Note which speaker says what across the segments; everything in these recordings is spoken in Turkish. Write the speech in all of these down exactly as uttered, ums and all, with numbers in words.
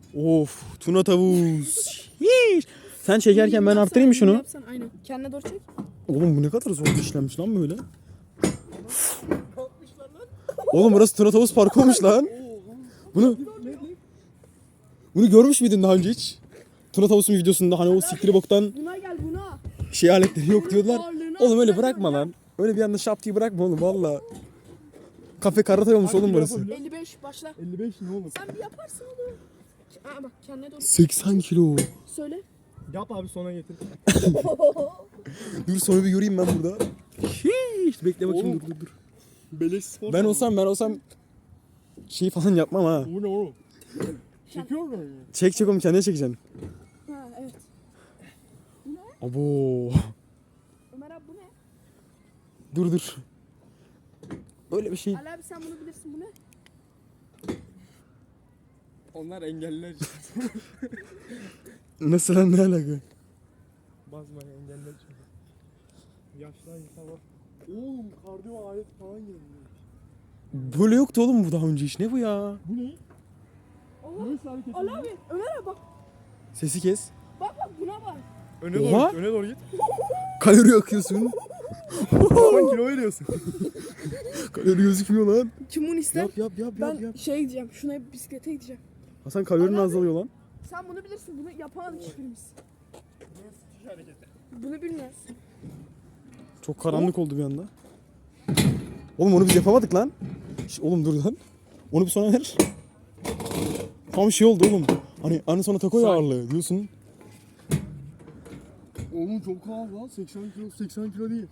Speaker 1: Of, tuna tavus. Sen çekerken ben arttırayım mı şunu?
Speaker 2: Yapsan, aynen. Kendine doğru çek.
Speaker 1: Oğlum bu ne kadar zor işlenmiş lan böyle. Oğlum burası tuna tavus parkı olmuş lan. Bunu Bunu görmüş müydün daha önce hiç? Tuna tavusun videosunda hani o siktiri boktan
Speaker 2: Buna gel buna.
Speaker 1: şey aletleri yok diyorlar.
Speaker 2: Ağırlığını
Speaker 1: Oğlum öyle
Speaker 2: atsan
Speaker 1: bırakma
Speaker 2: ya.
Speaker 1: lan. Öyle bir anda şap diye bırakma oğlum valla. Kafe karate olmuş oğlum burası.
Speaker 2: elli beş başla.
Speaker 3: elli beş ne oğlum?
Speaker 2: Sen bir yaparsın oğlum. Aa bak kendine doğru
Speaker 1: seksen kilo.
Speaker 2: söyle.
Speaker 3: Yap abi sona getir.
Speaker 1: Dur sonra bir göreyim ben burada. Hiç bekle bakayım
Speaker 3: Oğlum.
Speaker 1: dur dur dur.
Speaker 3: Beleş spor.
Speaker 1: Ben olsam ben olsam şey falan yapmam ha.
Speaker 3: Bu ne oğlum? Çekiyor mu?
Speaker 1: Çek çek oğlum kendine çekeceksin.
Speaker 2: Ha evet.
Speaker 1: Abo.
Speaker 2: Ömer abi bu ne?
Speaker 1: Dur dur. Böyle bir şey.
Speaker 2: Ali abi sen bunu bilirsin bu ne?
Speaker 3: Onlar engelliler.
Speaker 1: Nasıl lan ne alaka?
Speaker 3: Basma engeller çünkü. Yaşlı insanlar. Oğlum kardiyo alet falan geldi.
Speaker 1: Böyle yoktu oğlum bu daha önce hiç. Ne bu ya?
Speaker 3: Bu ne?
Speaker 2: Allah.
Speaker 3: Neyse hareket
Speaker 2: Ali abi Ömer abi bak.
Speaker 1: Sesi kes.
Speaker 2: Bak bak buna bak.
Speaker 3: Öne
Speaker 1: Oha.
Speaker 3: doğru git, öne doğru git.
Speaker 1: Kalori yakıyorsun.
Speaker 3: Aman kilo veriyorsun.
Speaker 1: Kalori gözükmüyor lan.
Speaker 2: Kim bunu ister?
Speaker 1: Yap yap yap
Speaker 2: ben
Speaker 1: yap yap.
Speaker 2: şeye gideceğim. Şuna bisiklete gideceğim.
Speaker 1: Hasan kalorin
Speaker 2: Ali abi.
Speaker 1: azalıyor lan.
Speaker 2: Sen bunu bilirsin. Bunu yapamadık hiçbirimiz.
Speaker 3: Sıkış hareketi.
Speaker 2: Bunu bilmiyoruz.
Speaker 1: Çok karanlık oldu bir anda. Oğlum onu biz yapamadık lan. Şş, oğlum dur lan. Onu bir sonra ver. Tam şey oldu oğlum. Hani hani sonra takoy
Speaker 3: Say.
Speaker 1: ağırlığı diyorsun.
Speaker 3: Oğlum çok ağır lan. seksen kilo, seksen kilo değil.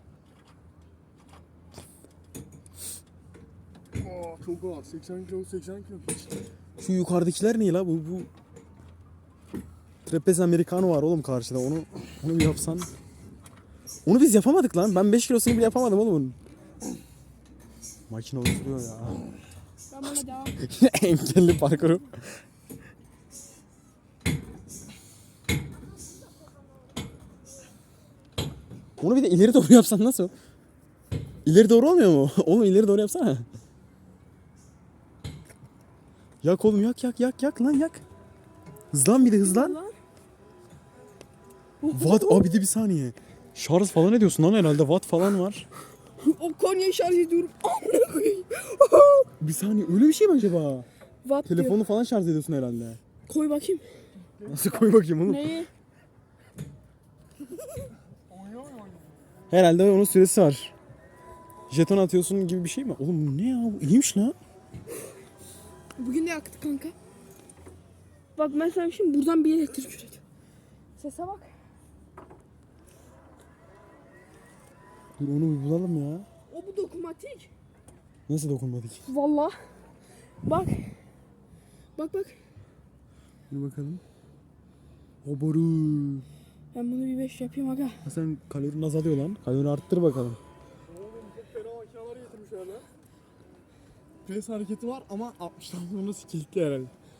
Speaker 3: Aa, çok ağır. seksen kilo, seksen kilo.
Speaker 1: Şu yukarıdakiler ne la bu bu Trapez Americano var oğlum karşıda. Onu onu bir yapsan. Onu biz yapamadık lan. Ben beş kilosunu bile yapamadım oğlum onun. Makine oturuyor ya.
Speaker 2: Ben buna devam.
Speaker 1: Yine engelli parkuru. Onu bir de ileri doğru yapsan nasıl? İleri doğru olmuyor mu? Oğlum ileri doğru yapsana. Yak oğlum yak yak yak yak lan yak. Hızlan bir de hızlan.
Speaker 2: Lan.
Speaker 1: Watt abi de bir saniye. Şarj falan ediyorsun lan herhalde watt falan var.
Speaker 2: O Konya'yı şarj ediyorum. Amına koyayım.
Speaker 1: Bir saniye öyle bir şey mi acaba?
Speaker 2: Watt diyor.
Speaker 1: Telefonu falan şarj ediyorsun herhalde.
Speaker 2: Koy bakayım.
Speaker 1: Nasıl koy bakayım oğlum?
Speaker 2: Neyi?
Speaker 1: Herhalde onun süresi var. Jeton atıyorsun gibi bir şey mi? Oğlum bu ne ya? Bu iyiymiş lan.
Speaker 2: Bugün de yaktık kanka. Bak mesela şimdi buradan bir elektrik üretiyor. Sese bak.
Speaker 1: Dur onu bir bulalım ya.
Speaker 2: O bu dokunmatik.
Speaker 1: Nasıl dokunmadık?
Speaker 2: Vallahi. Bak. Bak bak.
Speaker 1: Bir bakalım. O boru.
Speaker 2: Ben bunu bir beş yapayım aga.
Speaker 1: Ha sen kalorin azalıyor lan. Kalori arttır bakalım.
Speaker 3: Oğlum çok fena makineler getirmiş öyle. Pres hareketi var ama altmıştan sonra kilitli herhalde.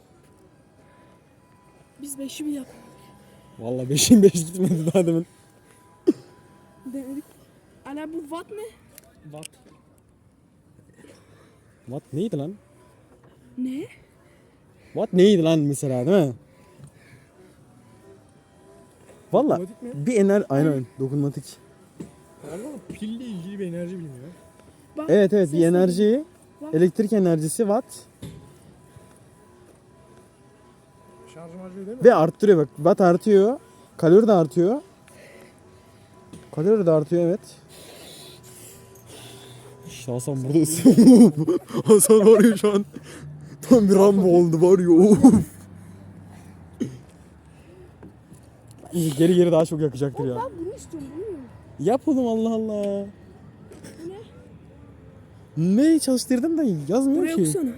Speaker 2: Biz beşi bir yap.
Speaker 1: Vallahi beşin beş gitmedi daha demin.
Speaker 2: Denedik. Ana bu watt ne?
Speaker 3: Watt.
Speaker 1: Watt neydi lan?
Speaker 2: Ne?
Speaker 1: Watt neydi lan mesela değil mi? Vallahi
Speaker 3: Dokunmatik mi?
Speaker 1: bir ener aynen dokunmatik.
Speaker 3: Galiba pille ilgili bir enerji bilmiyor.
Speaker 2: Bak,
Speaker 1: Evet evet bir
Speaker 2: ses
Speaker 1: enerji,
Speaker 2: Bak.
Speaker 1: elektrik enerjisi watt
Speaker 3: Şarj marjı değil mi?
Speaker 1: ve arttırıyor bak. Watt artıyor, kalori de artıyor. Kalori de artıyor evet. İşte Hasan burada ısınıyor. Hasan var ya şu an tam bir Rambo oldu var ya. Of. Geri geri daha çok yakacaktır ya.
Speaker 2: Ben bunu istiyorum bunu.
Speaker 1: Yap oğlum Allah Allah.
Speaker 2: Bu ne?
Speaker 1: Ne çalıştırdın da yazmıyor
Speaker 2: Buraya
Speaker 1: ki.
Speaker 2: okusana.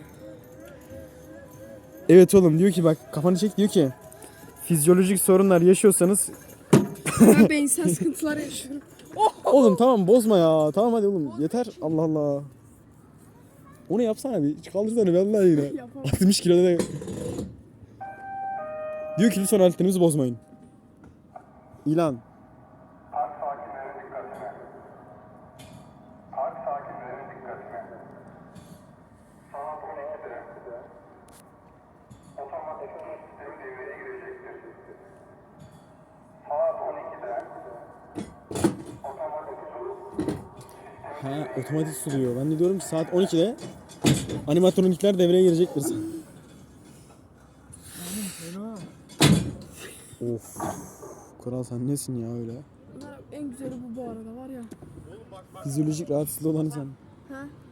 Speaker 1: Evet oğlum diyor ki bak kafanı çek diyor ki fizyolojik sorunlar yaşıyorsanız
Speaker 2: Ben beyinsel sıkıntılar yaşıyorum.
Speaker 1: oğlum tamam bozma ya. Tamam hadi oğlum yeter Allah Allah. Onu yapsana bir kaldırsana vallahi yine.
Speaker 2: Yapamam.
Speaker 1: altmış kiloda da. Diyor ki lütfen aletlerinizi bozmayın. İlan.
Speaker 4: Park sakinlerin dikkatine. Park sakinlerin dikkatine. Sanat on ikide otomatik sistemi
Speaker 1: Ha, otomatik suluyor. Ben de diyorum ki saat on ikide animatronikler devreye girecektir.
Speaker 3: Fena.
Speaker 1: Of. Kral sen nesin ya öyle?
Speaker 2: Bunlar en güzeli bu bu arada var ya.
Speaker 1: Fizyolojik rahatsızlığı olanı sen.
Speaker 2: Ha?